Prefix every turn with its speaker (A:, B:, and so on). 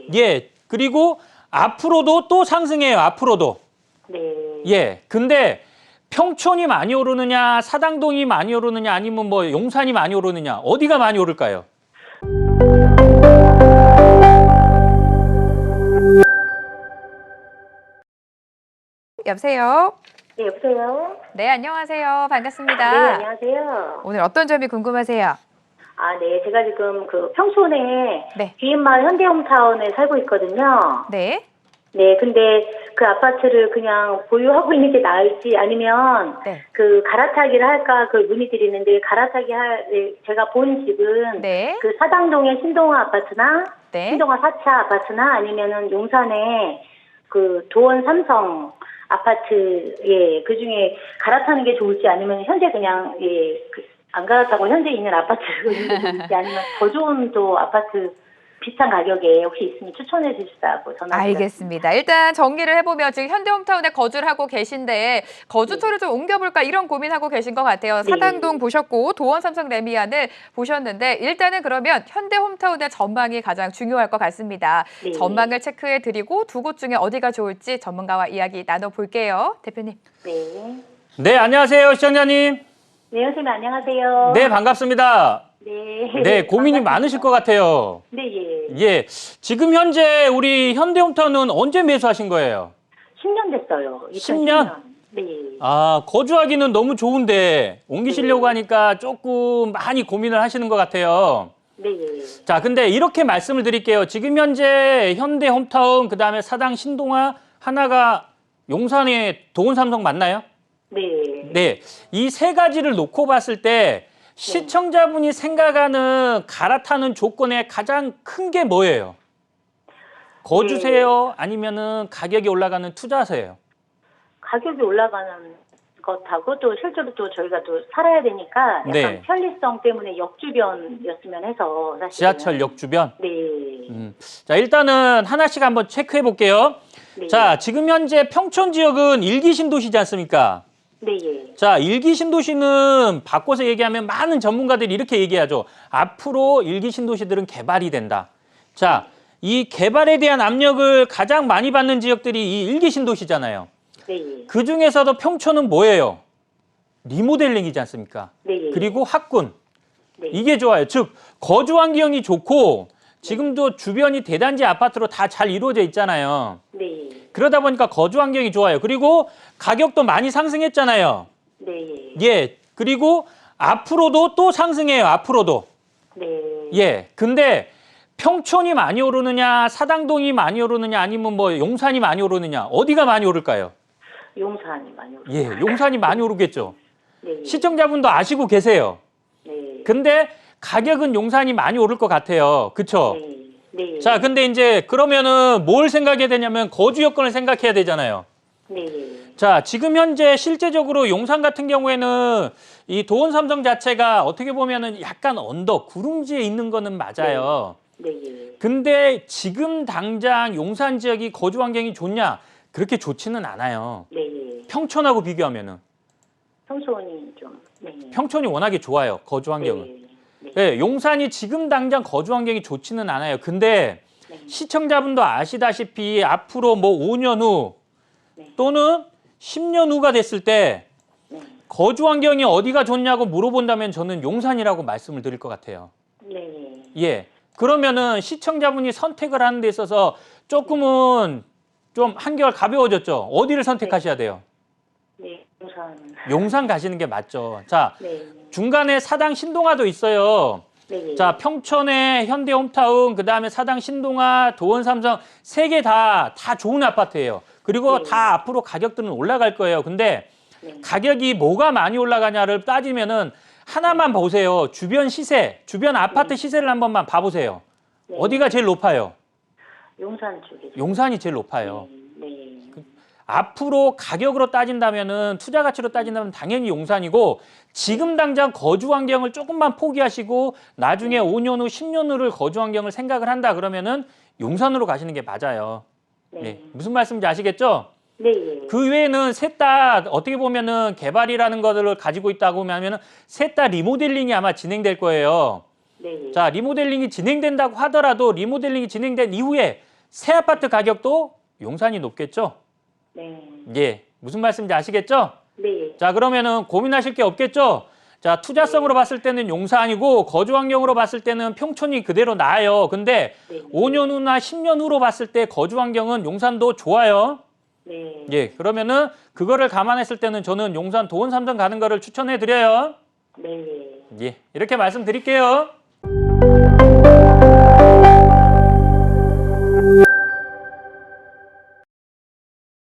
A: 예. 그리고 앞으로도 또 상승해요. 앞으로도.
B: 네.
A: 예. 근데 평촌이 많이 오르느냐, 사당동이 많이 오르느냐, 아니면 뭐 용산이 많이 오르느냐, 어디가 많이 오를까요?
C: 여보세요?
B: 네, 여보세요?
C: 네, 안녕하세요. 반갑습니다.
B: 네, 안녕하세요.
C: 오늘 어떤 점이 궁금하세요?
B: 아, 네. 제가 지금 그 평촌에
C: 네.
B: 비인마을 현대홈타운에 살고 있거든요.
C: 네.
B: 네, 근데 그 아파트를 그냥 보유하고 있는 게 나을지 아니면
C: 네.
B: 그 갈아타기를 할까 그걸 문의드리는데 제가 본 집은
C: 네.
B: 그 사당동의 신동아 아파트나
C: 네.
B: 신동아 4차 아파트나 아니면은 용산의 그 도원 삼성 아파트 그 중에 갈아타는 게 좋을지 아니면 현재 그냥 안 갈아타고 현재 있는 아파트를 있는 게 좋을지 아니면 더 좋은 또 아파트 비슷한 가격에 혹시 있으면 추천해 주시다고 전화드렸습니다.
C: 알겠습니다. 일단 정리를 해보면 지금 현대홈타운에 거주를 하고 계신데 거주처를 좀 옮겨볼까 이런 고민하고 계신 것 같아요.
B: 네.
C: 사당동 보셨고 도원 삼성 레미안을 보셨는데 일단은 그러면 현대홈타운의 전망이 가장 중요할 것 같습니다.
B: 네.
C: 전망을 체크해드리고 두 곳 중에 어디가 좋을지 전문가와 이야기 나눠볼게요. 대표님.
B: 네.
A: 네, 안녕하세요, 시청자님.
B: 네, 선생님 안녕하세요.
A: 네, 반갑습니다.
B: 네.
A: 네, 고민이
B: 반갑습니다.
A: 많으실 것 같아요.
B: 네, 예.
A: 예. 지금 현재 우리 현대홈타운은 언제 매수하신 거예요?
B: 10년 됐어요.
A: 10년?
B: 네.
A: 아, 거주하기는 너무 좋은데 옮기시려고 하니까 조금 많이 고민을 하시는 것 같아요.
B: 네, 예.
A: 자, 근데 이렇게 말씀을 드릴게요. 지금 현재 현대홈타운, 그다음에 사당 신동아, 하나가 용산의 도원삼성 맞나요?
B: 네.
A: 네. 이 세 가지를 놓고 봤을 때 시청자분이 생각하는 갈아타는 조건의 가장 큰 게 뭐예요? 거주세요? 아니면은 가격이 올라가는 투자세요?
B: 가격이 올라가는 것하고 또 실제로 또 저희가 또 살아야 되니까 약간
A: 네.
B: 편리성 때문에 역주변이었으면 해서 사실
A: 지하철역 주변?
B: 네.
A: 자, 일단은 하나씩 한번 체크해 볼게요.
B: 네.
A: 자, 지금 현재 평촌 지역은 일기 신도시지 않습니까?
B: 네, 예.
A: 자, 일기 신도시는 바꿔서 얘기하면 많은 전문가들이 이렇게 얘기하죠. 앞으로 일기 신도시들은 개발이 된다. 자, 이 개발에 대한 압력을 가장 많이 받는 지역들이 이 일기 신도시잖아요.
B: 네, 예.
A: 그 중에서도 평촌은 뭐예요? 리모델링이지 않습니까?
B: 네, 예.
A: 그리고 학군.
B: 네.
A: 이게 좋아요. 즉, 거주 환경이 좋고 지금도 주변이 대단지 아파트로 다 잘 이루어져 있잖아요.
B: 네, 예.
A: 그러다 보니까 거주 환경이 좋아요. 그리고 가격도 많이 상승했잖아요.
B: 네, 예.
A: 예. 그리고 앞으로도 또 상승해요. 앞으로도.
B: 네.
A: 예. 근데 평촌이 많이 오르느냐, 사당동이 많이 오르느냐, 아니면 뭐 용산이 많이 오르느냐, 어디가 많이 오를까요?
B: 용산이 많이 오르.
A: 예. 용산이 많이 오르겠죠.
B: 네, 예.
A: 시청자분도 아시고 계세요.
B: 네.
A: 근데 가격은 용산이 많이 오를 것 같아요. 그쵸?
B: 네. 네.
A: 자, 근데 이제 그러면은 뭘 생각해야 되냐면 거주 여건을 생각해야 되잖아요.
B: 네. 예.
A: 자, 지금 현재 실제적으로 용산 같은 경우에는 이 도원 삼성 자체가 어떻게 보면은 약간 언덕, 구름지에 있는 거는 맞아요.
B: 네, 예.
A: 근데 지금 당장 용산 지역이 거주 환경이 좋냐? 그렇게 좋지는 않아요.
B: 네, 예.
A: 평촌하고 비교하면은.
B: 평촌이 좀 네.
A: 평촌이 워낙에 좋아요. 거주 환경은.
B: 네. 네.
A: 네, 용산이 지금 당장 거주 환경이 좋지는 않아요. 근데
B: 네.
A: 시청자분도 아시다시피 앞으로 뭐 5년 후
B: 네.
A: 또는 10년 후가 됐을 때
B: 네.
A: 거주 환경이 어디가 좋냐고 물어본다면 저는 용산이라고 말씀을 드릴 것 같아요.
B: 네.
A: 예. 그러면은 시청자분이 선택을 하는 데 있어서 조금은 좀 한결 가벼워졌죠. 어디를 선택하셔야 돼요?
B: 네. 용산.
A: 용산 가시는 게 맞죠. 자,
B: 네.
A: 중간에 사당 신동아도 있어요.
B: 네.
A: 자, 평촌에 현대홈타운, 그다음에 사당 신동아, 도원 삼성 세 개 다 좋은 아파트예요. 그리고
B: 네.
A: 다 앞으로 가격들은 올라갈 거예요. 근데
B: 네.
A: 가격이 뭐가 많이 올라가냐를 따지면은 하나만 보세요. 주변 시세, 주변 아파트 시세를 한 번만 봐보세요.
B: 네.
A: 어디가 제일 높아요?
B: 용산 쪽에.
A: 용산이 제일 높아요.
B: 네.
A: 앞으로 가격으로 따진다면은 투자 가치로 따진다면 당연히 용산이고 지금 당장 거주 환경을 조금만 포기하시고 나중에 5년 후, 10년 후를 거주 환경을 생각을 한다 그러면은 용산으로 가시는 게 맞아요.
B: 네.
A: 네. 무슨 말씀인지 아시겠죠?
B: 네. 예.
A: 그 외에는 셋 다 어떻게 보면은 개발이라는 것을 가지고 있다고 하면은 셋 다 리모델링이 아마 진행될 거예요.
B: 네.
A: 자, 리모델링이 진행된다고 하더라도 리모델링이 진행된 이후에 새 아파트 가격도 용산이 높겠죠?
B: 네.
A: 예. 무슨 말씀인지 아시겠죠?
B: 네.
A: 자, 그러면은 고민하실 게 없겠죠? 자, 투자성으로 봤을 때는 용산이고 거주 환경으로 봤을 때는 평촌이 그대로 나아요. 근데
B: 네.
A: 5년 후나 10년 후로 봤을 때 거주 환경은 용산도 좋아요.
B: 네.
A: 예. 그러면은 그거를 감안했을 때는 저는 용산 도원 삼성 가는 거를 추천해 드려요.
B: 네.
A: 예. 이렇게 말씀드릴게요.